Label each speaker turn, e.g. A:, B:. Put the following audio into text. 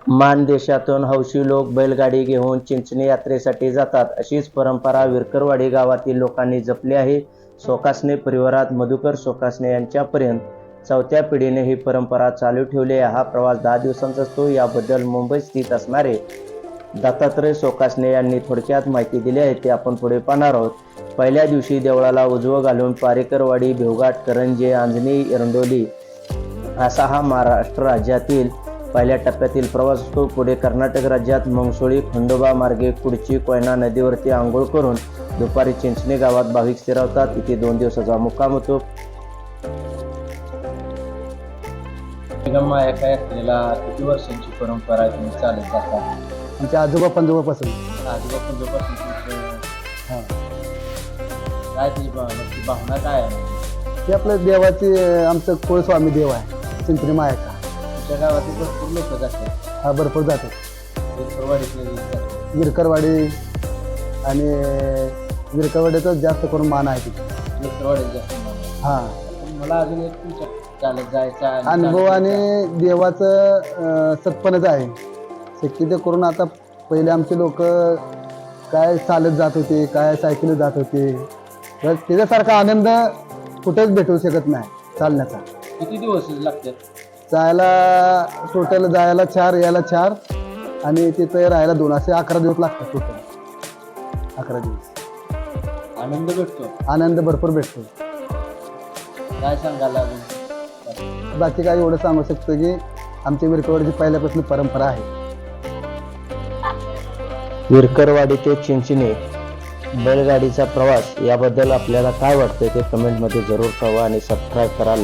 A: मानदेशातून हौशी लोक बैलगाडी घेऊन चिंचणी यात्रेसाठी जातात. अशीच परंपरा विरकरवाडी गावातील लोकांनी जपली आहे. सोकासने परिवारात मधुकर सोकासने यांच्यापर्यंत चौथ्या पिढीने ही परंपरा चालू ठेवली आहे. हा प्रवास 10 दिवसांचा असतो. याबद्दल मुंबईत स्थित असणारे दत्तात्रय सोकासने यांनी थोडक्यात माहिती दिली आहे, ते आपण पुढे पाहणार आहोत. पहिल्या दिवशी देवळाला उजवं घालून पारेकरवाडी, भेवघाट, करंजे, आंजणी, एरंडोली असा हा महाराष्ट्र राज्यातील पहिल्या टप्प्यातील प्रवास असतो. पुढे कर्नाटक राज्यात मंगसोळी, खंडोबा मार्गे कुडची, कोयना नदीवरती आंघोळ करून दुपारी चिंचणी गावात भाविक स्थिरावतात. इथे 2 दिवसाचा मुक्काम होतो. एका यात्रेला किती वर्षांची परंपरा तुम्ही चालत जातात?
B: आमच्या आजोबा पंजोबापासून.
A: काय ती भावना काय आहे?
B: ते आपलं देवाची आमचं कुळस्वामी देव आहे चिंचणी मायाचा.
A: तुमच्या गावातील भरपूर लोक जातात.
B: हा भरपूर जातात. विरकरवाडी आणि विरकरवाडीचा जास्त करून मान आहे तिथे. हा
A: मला अजून एक तुमच्या चालत जायचा
B: अनुभव आणि देवाचं सत्पणच आहे. शक्यतो करून आता पहिले आमचे लोक काय चालत जात होते, काय सायकल जात होते, तर त्याच्यासारखा आनंद कुठेच भेटू शकत नाही चालण्याचा.
A: किती दिवस लागतात
B: जायला? टोटल जायला 4, यायला 4 आणि तिथं राहायला 2, असे 11 दिवस लागतात. टोटल 11 दिवस
A: आनंद भेटतो.
B: आनंद भरपूर भेटतो.
A: काय सांगायला?
B: बाकी काय एवढं सांगू शकतो की आमच्या विरकरवाडीची पहिल्यापासून परंपरा आहे.
A: विरकरवाडी ते चिंचणी बैलगाडीचा प्रवास याबद्दल आपल्याला काय वाटतं ते कमेंटमध्ये जरूर कळवा आणि सबस्क्राईब करा.